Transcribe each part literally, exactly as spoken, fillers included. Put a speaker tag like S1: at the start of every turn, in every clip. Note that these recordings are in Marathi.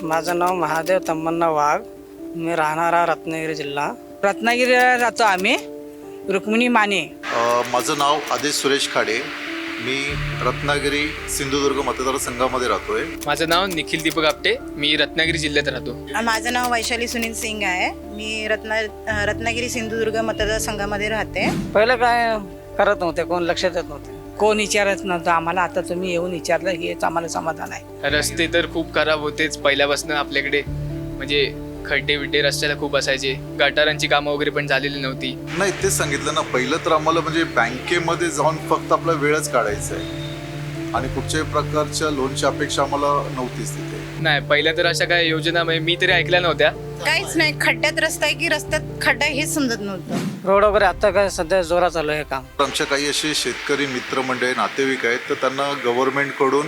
S1: माझं नाव महादेव तम्मन्ना वाघ. मी राहणारा रत्नागिरी जिल्हा. रत्नागिरीला राहतो आम्ही. रुक्मिणी माने.
S2: अ, माझं नाव आदेश सुरेश खाडे. मी रत्नागिरी सिंधुदुर्ग मतदारसंघामध्ये राहतोय.
S3: माझं नाव निखिल दीपक आपटे. मी रत्नागिरी जिल्ह्यात राहतो.
S4: माझं नाव वैशाली सुनील सिंग आहे. मी रत्ना रत्नागिरी सिंधुदुर्ग मतदारसंघामध्ये राहते.
S1: पहिलं काय करत नव्हते, कोण लक्ष देत नव्हते, कोण विचारत नव्हतं आम्हाला. आता तुम्ही येऊन विचारलं हेच आम्हाला समाधान आहे.
S3: रस्ते तर खूप खराब होतेच पहिल्यापासून आपल्याकडे. म्हणजे खड्डे बिड्डे रस्त्याला खूप असायचे. गटारांची कामं वगैरे पण झालेली नव्हती.
S2: नाही, तेच सांगितलं ना, पहिलं तर आम्हाला म्हणजे बँकेमध्ये जाऊन फक्त आपला वेळच काढायचा आहे आणि कुठच्याही प्रकारच्या लोनची अपेक्षा आम्हाला नव्हतीच तिथे.
S3: नाही, पहिल्या तर अशा काय योजना म्हणजे मी तरी ऐकल्या नव्हत्या.
S4: काहीच नाही. खड्ड्यात रस्ता आहे की रस्त्यात खड्डा आहे हेच समजत नव्हतं.
S1: रोड वगैरे आता काय सध्या जोरात चालू आहे काम.
S2: आमच्या काही असे शेतकरी मित्रमंडळी नातेवाईक आहेत, तर त्यांना गव्हर्नमेंटकडून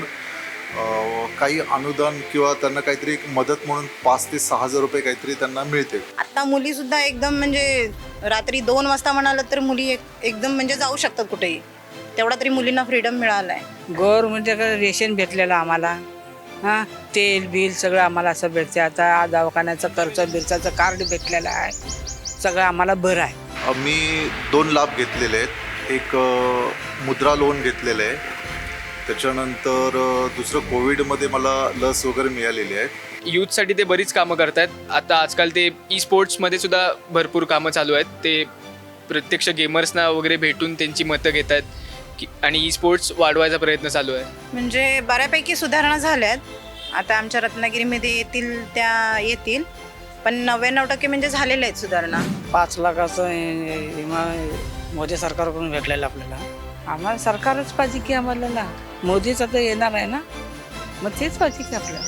S2: काही अनुदान किंवा त्यांना काहीतरी एक मदत म्हणून पाच ते सहा हजार रुपये काहीतरी त्यांना मिळते.
S4: आता मुली सुद्धा एकदम म्हणजे रात्री दोन वाजता म्हणालं तर मुली एक एकदम म्हणजे जाऊ शकतात कुठेही. तेवढा तरी मुलींना फ्रीडम मिळाला आहे.
S1: गव्हर्नमेंटकडे रेशन भेटलेलं आम्हाला. हां, तेल बिल सगळं आम्हाला असं भेटते. आता दवाखान्याचं खर्च बिरचाचं कार्ड भेटलेलं आहे. सगळं आम्हाला बरं आहे.
S2: मी दोन लाभ घेतलेले आहेत. एक अ, मुद्रा लोन घेतलेलं आहे. त्याच्यानंतर अ, दुसरं कोविडमध्ये मला लस वगैरे मिळालेली आहे.
S3: यूथसाठी ते बरीच कामं करतात. आता आजकाल ते ई स्पोर्ट्समध्ये सुद्धा भरपूर कामं चालू आहेत. ते प्रत्यक्ष गेमर्सना वगैरे भेटून त्यांची मतं घेत आहेत की आणि ई स्पोर्ट्स वाढवायचा प्रयत्न चालू आहे. म्हणजे
S4: बऱ्यापैकी सुधारणा झाल्यात. आता आमच्या रत्नागिरीमध्ये येतील त्या येतील, पण नव्याण्णव टक्के म्हणजे झालेल्या आहेत सुधारणा.
S1: पाच लाखाचं हे- विमा मोदी सरकारकडून भेटलेलं आपल्याला. आम्हाला सरकारच पाहिजे की आम्हाला ना. मोदीच आता येणार आहे ना, मग तेच पाहिजे की आपल्याला.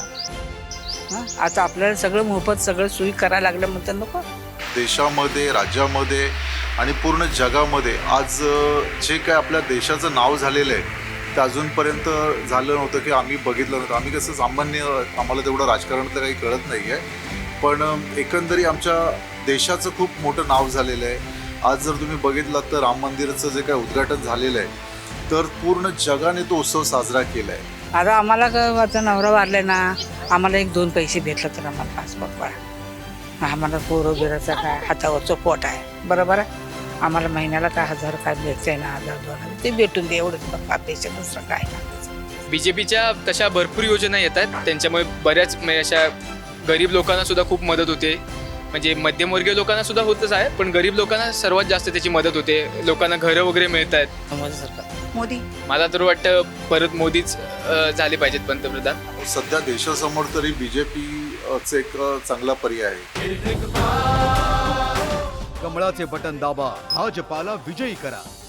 S1: हां, आता आपल्याला सगळं मोफत सगळं सोयी करायला लागलं म्हणतात नको.
S2: देशामध्ये, राज्यामध्ये आणि पूर्ण जगामध्ये आज अ, जे काय आपल्या देशाचं नाव झालेलं आहे ते अजूनपर्यंत झालं नव्हतं की आम्ही बघितलं नव्हतं. आम्ही कसं सामान्य, आम्हाला तेवढं राजकारणातलं काही कळत नाही आहे, पण अ, एकंदरीत आमच्या देशाचं खूप मोठं नाव झालेलं आहे. आज जर तुम्ही बघितलात तर राम मंदिराचं जे काय उद्घाटन झालेलं आहे, तर पूर्ण जगाने तो उत्सव साजरा केला आहे.
S1: आता आम्हाला काय आता नवरा वारले ना, आम्हाला एक दोन पैसे भेटलं तर आम्हाला पासपोर्ट पडा. आम्हाला पोरं बिराचं काय हातावरचं पोट आहे, बरोबर आहे. आम्हाला महिन्याला काय हजार काय भेटतंय ना, हजार दोन हजार ते भेटून दे, एवढंच बघा पैसे, दुसरं काय नाही.
S3: बी जे पीच्या तशा भरपूर योजना येतात. त्यांच्यामुळे बऱ्याच म्हणजे अशा गरीब लोकांना सुद्धा खूप मदत होते. म्हणजे मध्यमवर्गीय लोकांना सुद्धा होतच आहे, पण गरीब लोकांना सर्वात जास्त त्याची मदत होते. लोकांना घरं वगैरे मिळत आहेत.
S1: मोदी सरकार.
S4: मोदी
S3: मला तर वाटतं परत मोदीच अ, झाले पाहिजेत पंतप्रधान.
S2: सध्या देशासमोर तरी बी जे पीचं एक अ, चांगला पर्याय आहे.
S5: कमळाचे बटन दाबा, भाजपाला विजयी करा.